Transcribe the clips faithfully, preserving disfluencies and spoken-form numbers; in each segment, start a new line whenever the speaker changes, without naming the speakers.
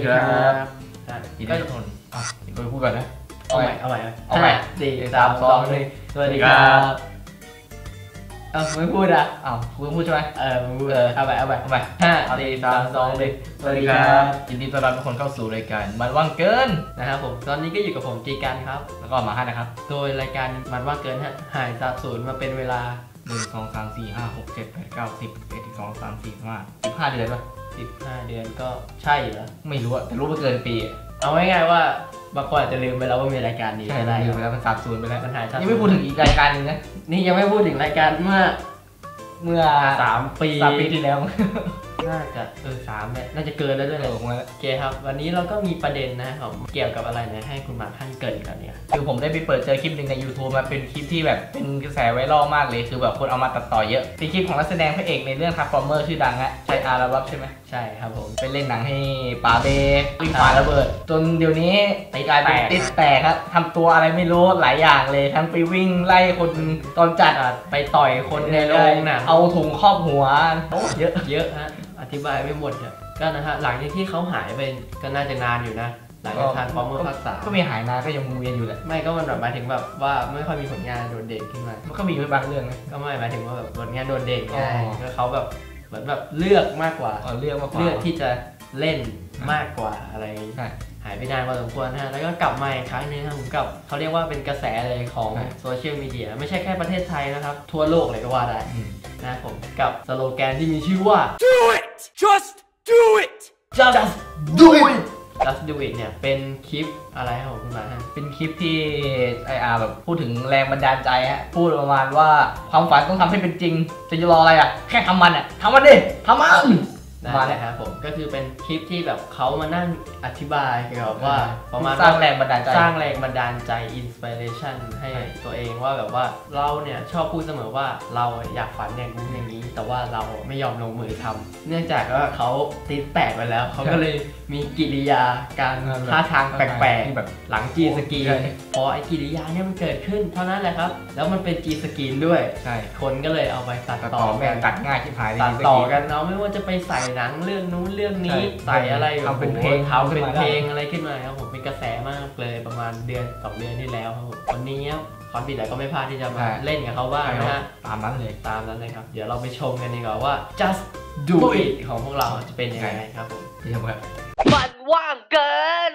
ดีครับยินดีทุกคนอ่ะยินดีพูดก่อนนะเอาใหม่เอาใหม่เอาใหม่สี่สามสองหนึ่งสวัสดีครับเอ้าไม่พูดอ่ะอ้าวคุณพูดใช่ไหมเออมึงพูดเออเอาไปเอาไปเอาไปห้าสี่สามสองหนึ่งสวัสดีครับยินดีต้อนรับทุกคนเข้าสู่รายการมันว่างเกินนะครับผมตอนนี้ก็อยู่กับผมจีกันครับแล้วก็มาให้นะครับโดยรายการมันว่างเกินฮะหายสาบสูญมาเป็นเวลาหนึ่งสองสามสี่ห้าหกเจ็ดแปดเก้าสิบเอ็ดสิบสองสามสี่ห้าสิบห้าเดือนป่ะสิบห้าเดือนก็ใช่เหรอไม่รู้อะแต่รู้ว่าเกินปีเอาง่ายๆว่าบางคนอาจจะลืมไปแล้วว่ามีรายการนี้ใช่ได้ลืมไปแล้วมันสาบสูญไปแล้วมันหายยังไม่พูดถึงอีกรายการนึงนะนี่ยังไม่พูดถึงรายการเมื่อเมื่อสามปีสามปีที่แล้วน่าจะเออสามเนี่ยน่าจะเกินแล้วด้วยเลยโอเคครับวันนี้เราก็มีประเด็นนะครับเกี่ยวกับอะไรนะให้คุณหมากท่านเกิดกันเนี่ยคือผมได้ไปเปิดเจอคลิปหนึ่งใน YouTube มาเป็นคลิปที่แบบเป็นกระแสไวรัลมากเลยคือแบบคนเอามาตัดต่อเยอะเป็นคลิปของนักแสดงพระเอกในเรื่อง Transformer ชื่อดังอะใช่อาร์บับใช่ไหมใช่ครับผมไปเล่นหนังให้ป๋าเบวิ่งฝ่าระเบิดจนเดี๋ยวนี้กลายเป็นติดแตกครับทำตัวอะไรไม่รู้หลายอย่างเลยทั้งไปวิ่งไล่คนตอนจัดไปต่อยคนในโรงหนังเอาถุงครอบหัวเยอะเยอะฮะอธิบายไม่หมดเนี่ยก็นะฮะหลังจากที่เขาหายไปก็น่าจะนานอยู่นะหลังจากทานฟอร์เมอร์ภาคสามก็มีหายนานก็ยังวนเวียนอยู่แหละไม่ก็มันแบบหมายถึงแบบว่าไม่ค่อยมีผลงานโดดเด่นขึ้นมามันก็มีบางเรื่องนะก็ไม่หมายถึงว่าแบบผลงานโดดเด่นไงก็เขาแบบเหมือนแบบเลือกมากกว่าเลือกมากกว่าเลือกที่จะเล่นมากกว่าอะไรหายไปนานพอสมควรฮะแล้วก็กลับมาอีกครั้งนึงครับผมกับเขาเรียกว่าเป็นกระแสเลยของโซเชียลมีเดียไม่ใช่แค่ประเทศไทยนะครับทั่วโลกเลยก็ว่าได้นะผมกับสโลแกนที่มีชื่อว่า do it just do it just do it just do it เนี่ยเป็นคลิปอะไรครับผมคุณหมาฮะเป็นคลิปที่ไออาร์แบบพูดถึงแรงบันดาลใจฮะพูดประมาณว่าความฝันต้องทำให้เป็นจริงจะรออะไรอ่ะแค่ทำมันอ่ะทำมันดิทำมันมาเลยครับผมก็คือเป็นคลิปที่แบบเขามานั่งอธิบายเกี่ยวกับว่าประมาณสร้างแรงบันดาลใจสร้างแรงบันดาลใจอินสปิเรชันให้ตัวเองว่าแบบว่าเราเนี่ยชอบพูดเสมอว่าเราอยากฝันอย่างนู้นอย่างนี้แต่ว่าเราไม่ยอมลงมือทำเนื่องจากว่าเขาติดแตกไปแล้วเขาก็เลยมีกิริยาการท่าทางแปลกๆแบบหลังจีสกีพอไอ้กิริยาเนี่ยมันเกิดขึ้นเท่านั้นแหละครับแล้วมันเป็นจีสกีด้วยใช่คนก็เลยเอาไปตัดต่อกันตัดง่ายที่หายตัดต่อกันเนาะไม่ว่าจะไปใส่หนังเรื่องนู้นเรื่องนี้ใส่อะไรทำเป็นเพลงทำเป็นเพลงอะไรขึ้นมาครับผมเป็นกระแสมากเลยประมาณเดือนสองเดือนที่แล้วครับผมวันนี้คอนบิดก็ไม่พลาดที่จะมาเล่นกับเขาบ้างนะฮะตามนั้นเลยตามนั้นเลยครับเดี๋ยวเราไปชมกันดีกว่าว่า just do it ของพวกเราจะเป็นยังไงครับผมเดี๋ยวครับมันว่างเกิน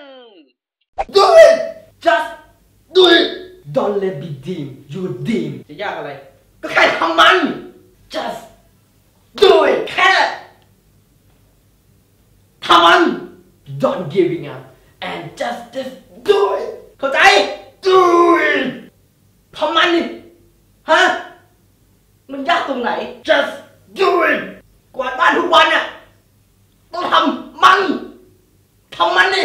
do it just do it don't let me dream you dream จะยากอะไรก็แค่ทำมัน just do it แค่ทำมัน don't giving up and just just do it เข้าใจ do it ทำมันดิฮะมันยากตรงไหน just do it กวาดบ้านทุกวันอ่ะต้องทำมันทำมันดิ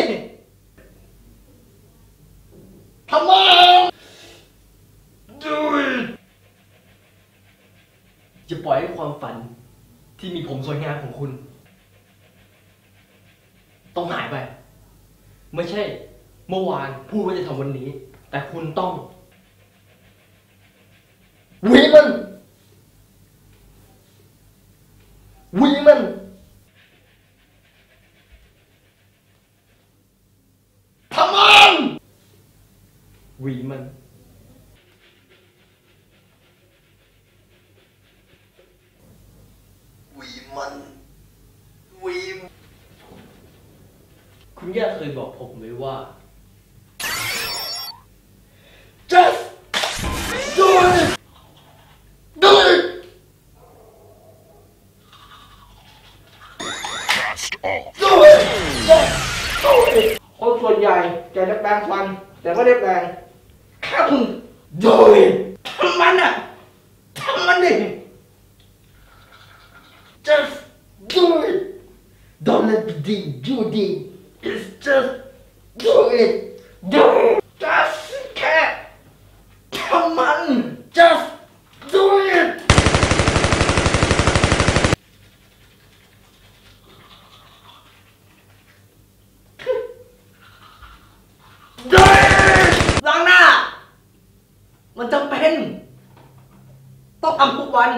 ทำมัน do it จะปล่อยให้ความฝันที่มีผมสวยงามของคุณต้องหายไปไม่ใช่เมื่อวานพูดว่าจะทำวันนี้แต่คุณต้องวีมันวีมันทำมันวีมันวีมันวีคุณย่าเคยบอกผมไว้ว่า just do it do it do it just do it คนส่วนใหญ่จะได้แปลงฟันแต่ไม่ได้แปลงแค่คุณ do it ทำมันอ่ะทำมันดิ just do it don't let me dream you dream it's just do it do it just แค่ทำมัน just do it do it ล้างหน้ามันจำเป็นต้องทำทุกวัน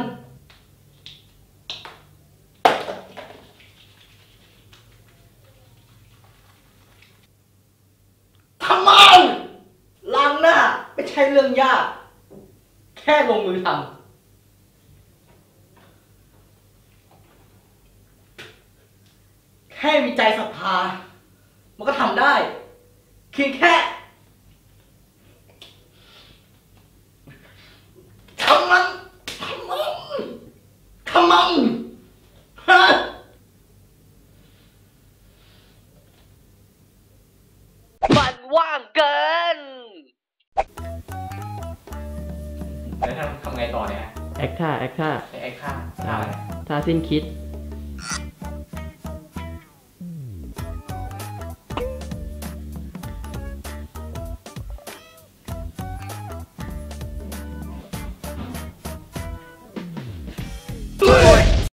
เรื่องยาก แค่ลงมือทำแค่มีใจศรัทธามันก็ทำได้เพียงแค่ทำมันทำมันทำมันฮะมันว่างเกิน
แล้วทำทำไงต่อเนี่ย
แอคท่าแอคท่า
ไอ้ค่าค่าอะไร
ท่าสิ้นคิด